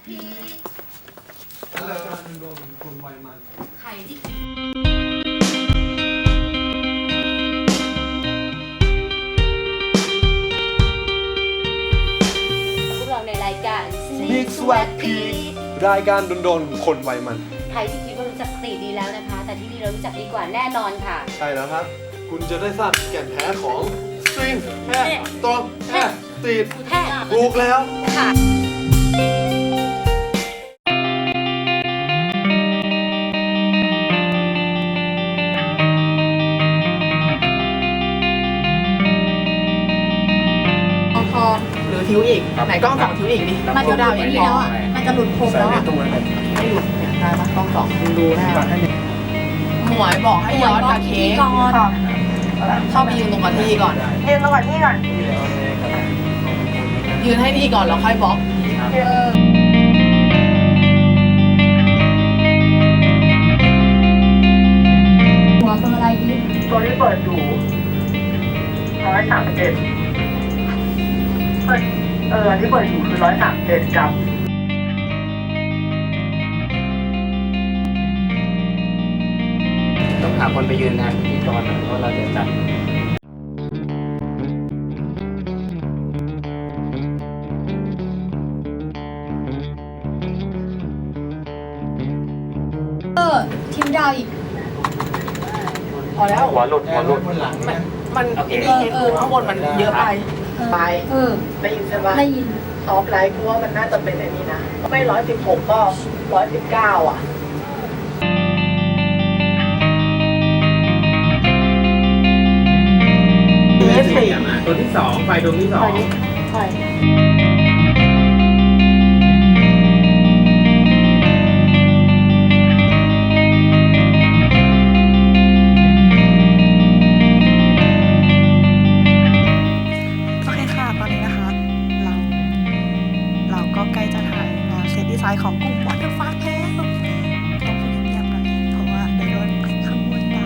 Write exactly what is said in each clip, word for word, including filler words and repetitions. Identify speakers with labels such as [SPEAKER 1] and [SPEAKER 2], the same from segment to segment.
[SPEAKER 1] พี
[SPEAKER 2] อะไรกันโดนคนวัยมัน
[SPEAKER 1] ไข่ที่พวกเราในรายการ
[SPEAKER 2] Sneak Swag Peek รายการโดนๆคนวัยมัน
[SPEAKER 1] ใครที่คิดว่ารู้จักสตรีทดีแล้วนะคะ แต่ที่นี่เรารู้จักดีกว่าแน่นอนค่ะ
[SPEAKER 2] ใช่แล้วครับคุณจะได้ทราบแก่นแท้ของสตริงแท้ตรอมแท้สตรีท
[SPEAKER 1] แท้
[SPEAKER 2] ถูกแล้ว
[SPEAKER 1] ค่ะ
[SPEAKER 3] หรือทิวอีกไหนกล้องสองทิวอีกดิมันจะดาวอย่างนี้แล้วอ่ะมันจะหลุดโคมแล้วอ่ะไม่หลุดเนี่ยได้ปะกล้องสองดูดูได้หมวยบอกให้ย้อนกับเค้กเข้าไปยืนตรงกับที่ก่อน
[SPEAKER 4] ยืนตรงกับที่ก่อน
[SPEAKER 3] ยืนให้ที่ก่อนแล้วค่อยบล็อก
[SPEAKER 1] หัวตัวอะไรดี
[SPEAKER 4] ตัวที่เปิดอยู่ร้อยสามสิบเอ็ดเออที่เปิดอยู่คือร้อยสามสิบเอ็ดกับ
[SPEAKER 5] ต้องหาคนไปยืนแทนพิธีกรหน่อยเพราะเราจะจัด
[SPEAKER 1] เออทีมดาวอีก
[SPEAKER 3] พอแล้ว
[SPEAKER 5] หัวหลุดหัวหลุด
[SPEAKER 3] มันมันเออเออข้างบนมันเยอะไปไป
[SPEAKER 1] เออ
[SPEAKER 3] ได้ยินใช่ปะ
[SPEAKER 1] ได้ยิน
[SPEAKER 3] ท็อปไลท์กูว่ามันน่าจะเป็นไอ้นี่นะไม่ร้อยสิบหกก็ร้อยสิบเก้าอ่ะ
[SPEAKER 5] เอสสี่ตัวที่สองไฟดวงที่สอง
[SPEAKER 3] ใช่
[SPEAKER 4] ของกลุ่มวอเตอร์ฟาร์แล้วต้องพูดเงียบๆหน่อยเพราะว่าเดี๋ยวโดนขโมยด่า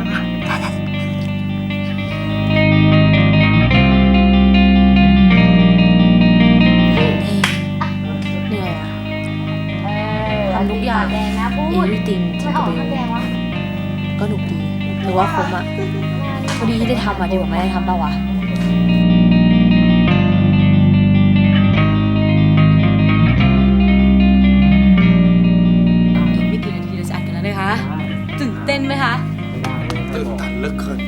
[SPEAKER 1] เหนื่อยอ่ะทำทุกอย่างแดงนะพูดจริงจริงก็ไม่ก็หนุกดีหรือว่าคุ้มอ่ะพอดีที่ได้ทำอ่ะดีกว่าไม่ได้ทำเปล่าวะตื่นเต้นไหมคะ
[SPEAKER 2] ตื่นตันเหลือเกิน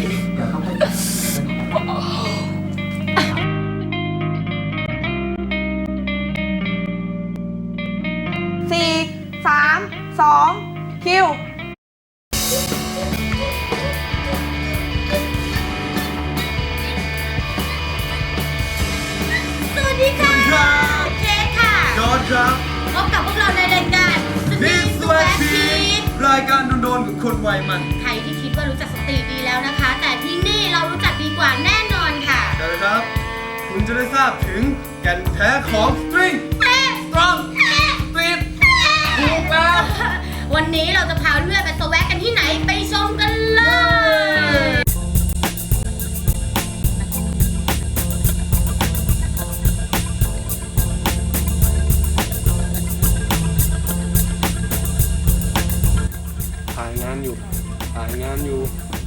[SPEAKER 3] สี่สามสองคิว
[SPEAKER 1] สวัสดีค่ะเค้กค่ะ
[SPEAKER 2] จอร์จครับ
[SPEAKER 1] พบกับพวกเราในรายการ
[SPEAKER 2] Sneak Swag Peek รายการโดนๆกับคนวัยมัน
[SPEAKER 1] ใครที่คิดว่ารู้จักสตรีทดีแล้วนะคะแต่ที่นี่เรารู้จักดีกว่าแน่นอนค่ะ
[SPEAKER 2] ใช่ครับคุณจะได้ทราบถึงแก่นแท้ของสตริงสตรอมสตรีทถูกแล้ว
[SPEAKER 1] วันนี้เราจะพาเพื่อนไปสแวกกันที่ไหนไปชมกันเลย
[SPEAKER 2] ถ่ายงานอยู่ถ่ายงานอยู่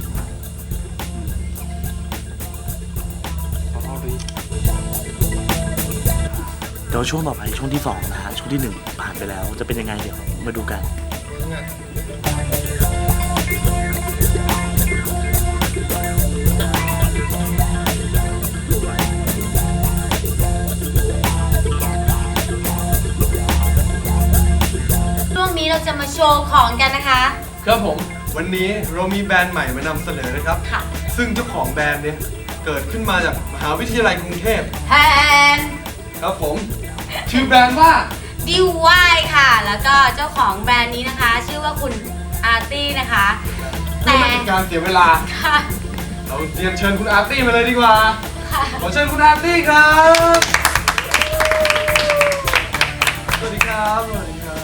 [SPEAKER 6] เดี๋ยวช่วงต่อไปช่วงที่สองนะฮะช่วงที่หนึ่งผ่านไปแล้วจะเป็นยังไงเดี๋ยวมาดูกัน
[SPEAKER 1] ช่วงนี้เราจะมาโชว์ของกันนะคะ
[SPEAKER 2] ครับผมวันนี้เรามีแบรนด์ใหม่มานำเสนอนะครับ
[SPEAKER 1] ค่ะ
[SPEAKER 2] ซึ่งเจ้าของแบรนด์เนี่ยเกิดขึ้นมาจากมหาวิทยาลัยกรุงเทพ
[SPEAKER 1] แทน
[SPEAKER 2] ครับผมชื่อแบรนด์ว่า
[SPEAKER 1] ดิวไวค่ะแล้วก็เจ้าของแบรนด์นี้นะคะชื่อว่าคุณอาร์ตี้นะคะ
[SPEAKER 2] แต่ไม่เป็นการเสียเวลาเราเรียนเชิญคุณอาร์ตี้มาเลยดีกว่าขอเชิญคุณอาร์ตี้ครับสวัสดีครับสวัสดีครับ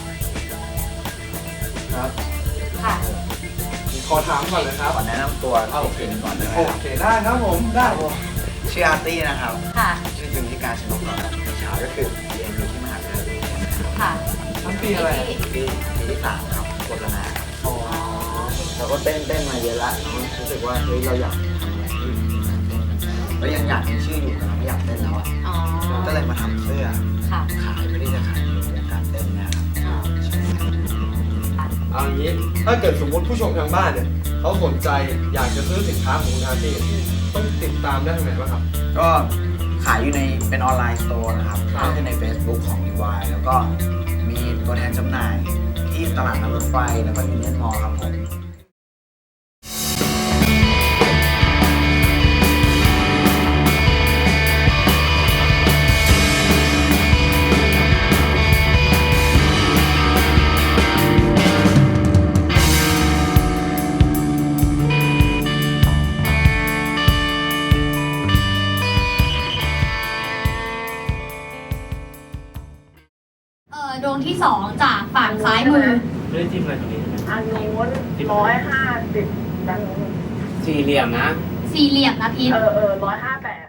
[SPEAKER 2] ครับ
[SPEAKER 1] ค่ะ
[SPEAKER 2] ขอถามก่อนเลยครับ
[SPEAKER 5] ขอแนะนำตัวเอาโอเคก่อนได้ไหม
[SPEAKER 2] โอเคได้ครับผมได้
[SPEAKER 5] ชื่ออาร์ตี้นะครับ
[SPEAKER 1] ค่ะ
[SPEAKER 5] ชื่อจริงที่การชนกเราวิชาก็คือเรียนอยู่ที่มหาวิทยาลัย
[SPEAKER 1] ค่ะค่ะ
[SPEAKER 2] ทั้งปีอะไร
[SPEAKER 5] ปีปีที่สามครับโฆษณาเราก็เต้นเต้นมาเยอะละเรารู้สึกว่าเฮ้ยเราอยากทำอะไรที่เรายังอยากมีชื่ออยู่แต่เราไม่อยากเต้นแล้วอ่ะ
[SPEAKER 1] อ๋อ
[SPEAKER 5] ก็เลยมาทำเสื้อ
[SPEAKER 1] ค่ะ
[SPEAKER 5] ขายไม่ได้จะขายในวงการเต้นนะครับ
[SPEAKER 2] เอาอย่างนี้ ถ้าเกิดสมมติผู้ชมทางบ้านเนี่ยเขาสนใจอยากจะซื้อสินค้าของคุณอาร์ตี้ต้องติดตามได้ทางไหนบ้างครับ
[SPEAKER 5] ก็ขายอยู่ในเป็นออนไลน์สโตร์นะครับ
[SPEAKER 1] ค่ะ
[SPEAKER 5] ก็คือใน Facebook ของ ดี วาย แล้วก็มีตัวแทนจำหน่ายที่ตลาดน้ำรถไฟแล้วก็ยูเนียนมอลล์ครับผม
[SPEAKER 7] เอ่อดวงที่สองจากฝั่งซ้ายมือ
[SPEAKER 6] ไม่ได้จิ้มอะไรตรงนี้ใช่ไหม
[SPEAKER 3] อันนู้นร้อยห้าสิบดังนู้น
[SPEAKER 5] สี่เหลี่ยมนะ
[SPEAKER 7] สี่เหลี่ยมนะพีท
[SPEAKER 3] เออเออร้อยห้าแปด